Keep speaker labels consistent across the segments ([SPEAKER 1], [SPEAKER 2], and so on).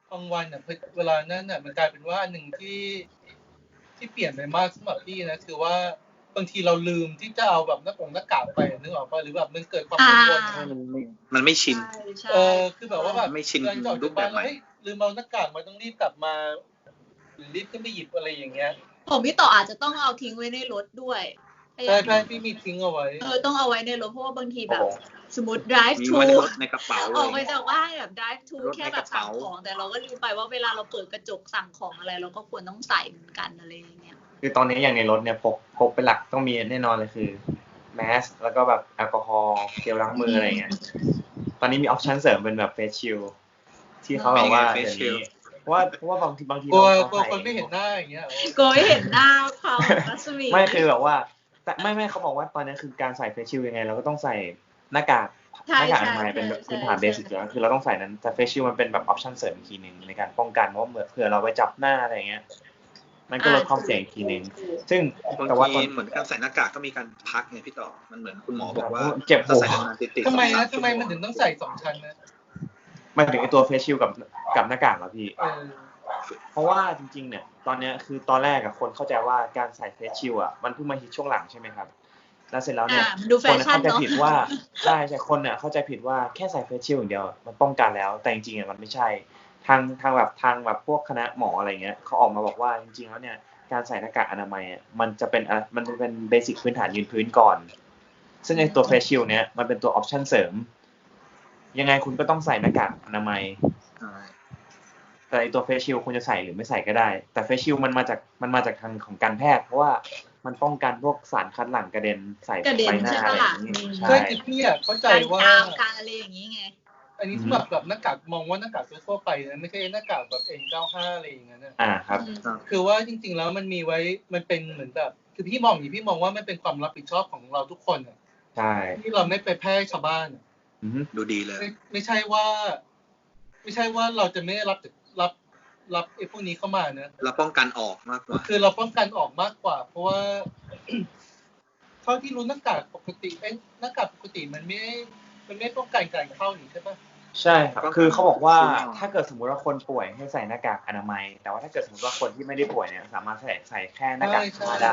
[SPEAKER 1] บางวันอ่ะเวลานั้นอ่ะมันกลายเป็นว่าอันหนึ่งที่เปลี่ยนไปมากสำหรับพี่นะคือว่าบางทีเราลืมที่จะเอาแบบหน้ากากไปนึกออกป่ะหรือแบบมันเกิดความกังวล
[SPEAKER 2] มันไม่ชิน
[SPEAKER 1] คือแบบว่าแบบ
[SPEAKER 2] ไม่ชิน
[SPEAKER 1] รูปแบบใหม่ลืมเอาหน้ากากมาต้องรีบกลับมาหรือรีบขึ้นไปหยิบอะไรอย่างเงี้ย
[SPEAKER 3] ผมพี่ต่ออาจจะต้องเอาทิ้งไว้ในรถด้วย
[SPEAKER 1] ใช่พี่มีทิ้งเอาไว้
[SPEAKER 3] ต้องเอาไว้ในรถเพราะว่าบางทีแบบสมมติ drive to
[SPEAKER 2] ในกระเป๋า
[SPEAKER 3] ออกไปจากบ้านแบบ drive to แค่แบบสั่งของแต่เราก็ลืมไปว่าเวลาเราเปิดกระจกสั่งของอะไรเราก็ควรต้องใส่เหมือนกันอะไรอย่างเงี้ย
[SPEAKER 4] คือตอนนี้อย่างในรถเนี่ยพกเป็นหลักต้องมีแน่นอนเลยคือแมสแล้วก็แบบแอลกอฮอล์เจลล้างมืออะไรเงี้ยตอนนี้มีออปชั่นเสริมเป็นแบบเฟซชิลที่เขาบอกว่าเดี๋ยวนี้เพราะว่าบางที
[SPEAKER 1] กลัวคนไม่เห็นหน้าอย่างเงี้ย
[SPEAKER 3] กลัวไม่เห็นหน้าเขารัศมี
[SPEAKER 4] ไม่คือแบบว่าแต่ไม่เขาบอกว่าตอนนี้คือการใส่เฟซชิลยังไงเราก็ต้องใส่หน้ากากอนามัยเป็นแบบพื้นฐานเบสิกแล้วคือเราต้องใส่นั้นแต่เฟซชิลมันเป็นแบบออปชั่นเสริมอีกทีนึงในการป้องกันว่าเผื่อเราไปจับหน้าอะไรเงี้ยมันก็ลดความเสี่ยงอีกทีนึงซึ่ง
[SPEAKER 2] แต่ว่าเหมือนการใส่หน้ากากก็มีการพักไงพี่ต่อมันเหมือนคุณหมอบอกว่า
[SPEAKER 4] เจ็บหัว
[SPEAKER 1] ทำไมมันถึงต้องใส่2ชั้นนะ
[SPEAKER 4] มันถึงไอตัวเฟซชิลกับหน้ากากเหรอพี่เพราะว่าจริงๆเนี่ยตอนนี้คือตอนแรกอะคนเข้าใจว่าการใส่เฟซชิลอะมันเพิ่งมาฮิตช่วงหลังใช่ไหมครับแล้วเสร็จแล้วเนี่ยคนเข้าใจผิดว่าใช่คนเนี่ยเข้าใจผิดว่าแค่ใส่เฟซชิลอย่างเดียวมันป้องกันแล้วแต่จริงๆมันไม่ใช่ทางแบบพวกคณะหมออะไรเงี้ยเขาออกมาบอกว่าจริงๆแล้วเนี่ยการใส่หน้ากากอนามัยมันจะเป็นเบสิกพื้นฐานยืนพื้นก่อนซึ่งในตัวเฟซชิลเนี่ยมันเป็นตัวออปชั่นเสริมยังไงคุณก็ต้องใส่หน้ากากอนามัยแต่ไอตัวเฟซชิลคุณจะใส่หรือไม่ใส่ก็ได้แต่เฟซชิลมันมาจากทางของการแพทย์เพราะว่ามันป้องกันพวกสารคัดหลั่งกระเด็นใส่ใบหน้าอะไรอย่างนี้
[SPEAKER 1] ใช่คือพี่เข้าใจว่า
[SPEAKER 3] การอะไรอย่างนี้ไง
[SPEAKER 1] อันนี้สำหรับแบบหน้ากากมองว่าหน้ากากทั่วไปนะไม่ใช่หน้ากากแบบ N95 อะไรอย่างเงี้ย
[SPEAKER 4] ครับ
[SPEAKER 1] คือว่าจริงๆแล้วมันมีไว้มันเป็นเหมือนแบบคือพี่มองว่ามันเป็นความรับผิดชอบของเราทุกคน
[SPEAKER 4] ใช่
[SPEAKER 1] ที่เราไม่ไปแพร่ชาวบ้าน
[SPEAKER 2] ดูดีเลย
[SPEAKER 1] ไม่ใช่ว่าเราจะไม่รับไอ้พวกนี้เข้ามานะ
[SPEAKER 2] เราป้องกันออกมากกว่า
[SPEAKER 1] คือเราป้องกันออกมากกว่าเพราะว่าเท่าที่รู้หน้ากากปกติหน้ากากปกติมันไม่ป้องกันการเข้านี่ใช่ปะ
[SPEAKER 4] ใช่ครับคือเขาบอกว่าถ้าเกิดสมมติว่าคนป่วยให้ใส่หน้ากากอนามัยแต่ว่าถ้าเกิดสมมติว่าคนที่ไม่ได้ป่วยเนี่ยสามารถใส่แค่หน้ากากผ้าได้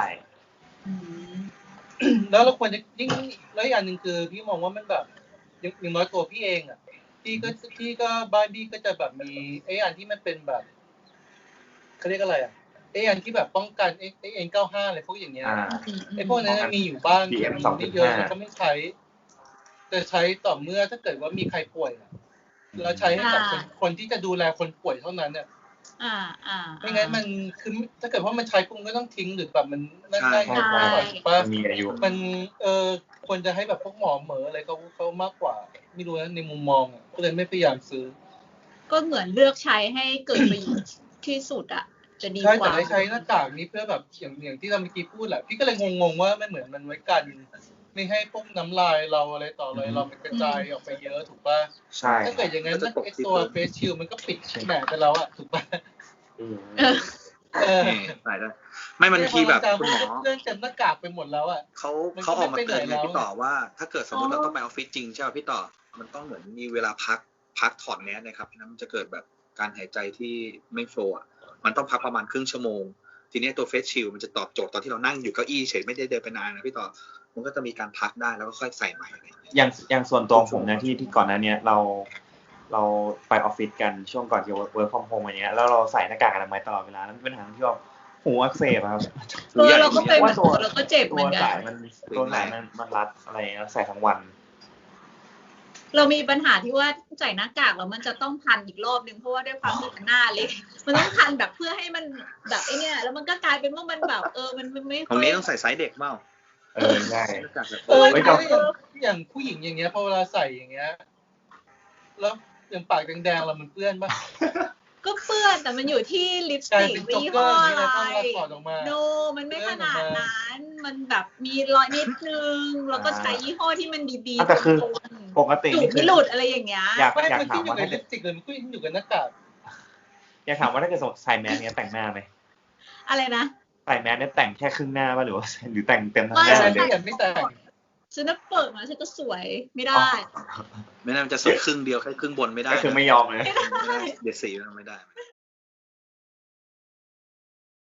[SPEAKER 1] แล้วเราควรจะยิ่งแล้วอีกอันนึงคือพี่มองว่ามันแบบอย่างน้อยตัวพี่เองพี่ก็บ้านพี่ก็จะแบบมีไอ้อันที่มันเป็นแบบเขาเรียกอะไรไอ้อันที่แบบป้องกันไอ้ N95 อะไรพวกอย่างเงี้ยไอ้พวกนั้นมีอยู่บ้างไม่เยอะแล้วก็ไม่ใช้จะใช้ต่อเมื่อถ้าเกิดว่ามีใครป่วยเราใช้ให้กับคนที่จะดูแลคนป่วยเท่านั้นเนี่ยไม่งั้นมันคือถ้าเกิดว่ามันใช้ปุ๊บก็ต้องทิ้งหรือแบบมันนั่นได้ง่ายกว่าถูกป่ะ
[SPEAKER 4] มีอายุ
[SPEAKER 1] มันควรจะให้แบบพวกหมอเหมออะไรเขามากกว่าไม่รู้นะในมุมมองก็เลยไม่พยายามซื้อ
[SPEAKER 3] ก็เหมือนเลือกใช้ให้เกิดประโยชน์ที่สุดจะดีกว่า
[SPEAKER 1] ใช่แต่ใช้หน้ากากนี้เพื่อแบบอย่างที่เราเมื่อกี้พูดแหละพี่ก็เลยงงว่ามันเหมือนมันไว้กันไม่ให้พวกน้ำลายเราอะไรต่ออะไรเรามันกระจายออกไปเยอะถูกป่ะ
[SPEAKER 4] ใช่
[SPEAKER 1] ถ้าเกิดอย่างนั้นไอ้ตัวเฟสชิลมันก็ปิดแหนไปแล้วถูกป่ะ
[SPEAKER 2] ได้ไม่มันทีแบบคุณหมอ
[SPEAKER 1] เรื่องเต็มหน้ากากไปหมดแล้ว
[SPEAKER 2] เขาออกมาเตือนพี่ต่อว่าถ้าเกิดสมมติเราต้องไปออฟฟิศจริงใช่ไหมพี่ต่อมันต้องเหมือนมีเวลาพักถอดแมสนะครับนั้นมันจะเกิดแบบการหายใจที่ไม่โฟล์มันต้องพักประมาณครึ่งชั่วโมงทีนี้ตัวเฟสชิลมันจะตอบโจทย์ตอนที่เรานั่งอยู่เก้าอี้เฉยไม่ได้เดินไปนานนะพี่ต่อมันก็จะมีการพักได้แล้วก็ค่อยใส่ใหม่อะไร
[SPEAKER 4] อย่างส่วนตัวผมนะที่ก่อนหน้านี้เราไปออฟฟิศกันช่วงก่อนที่ work from home อย่างเงี้ยแล้วเราใส่หน้ากากอนามัยตลอดเวลานั้นเป็นปัญหาที่ว่าหูอักเสบครับ
[SPEAKER 3] เราก็เป็นเราก็เจ็บเหมือนกัน
[SPEAKER 4] ตัวสายมันรัดอะไรใส่ทั้งวัน
[SPEAKER 3] เรามีปัญหาที่ว่าใส่หน้ากากแล้วมันจะต้องพันอีกรอบนึงเพราะว่าด้วยความที่หน้าเล็กมันต้องพันแบบเพื่อให้มันแบบไอ้เนี่ยแล้วมันก็กลายเป็นว่ามันแบบมันไม่
[SPEAKER 2] ตรงนี้ต้องใส่ไซส์เด็กเปล่า
[SPEAKER 4] ใช่
[SPEAKER 1] อย่างผู้หญิงอย่างเงี้ยพอเวลาใส่อย่างเงี้ยแล้วอย่างปากแดงๆเรามันเปื้อนป่ะ
[SPEAKER 3] ก็เปื้อนแต่มันอยู่ที่ลิปสติกยี่ห้ออะไรโนมันไม่ขนาดนั้นมันแบบมีรอยนิดนึงแล้วก็ใช้ยี่ห้อที่มันดีๆ
[SPEAKER 4] แต่คือปกติ
[SPEAKER 3] นี่คือหลุดอะไรอย่างเงี้ย
[SPEAKER 4] อยากถามว่า
[SPEAKER 1] ถ้าลิปสติกเลยมันก็อยู่กับหน้ากาก
[SPEAKER 4] อยากถามว่าถ้าเกิดใส่แมสเนี้ยแต่งหน้าไหม
[SPEAKER 3] อะไรนะ
[SPEAKER 4] ใส่แมสเนี่ยแต่งแค่ครึ่งหน้าป่ะหรือแต่งเต็มทั้งหน้าเลย
[SPEAKER 1] ไม่แต่ง
[SPEAKER 3] ฉันจะเปิดมาฉันจะสวยไม่ได้
[SPEAKER 2] ไม่น่ามันจะสวยครึ่งเดียวแค่ครึ่งบนไม่ได้
[SPEAKER 4] ก็คือไม่ยอมเลย
[SPEAKER 2] ไม่ได้เด็ดสีมันไม่ได้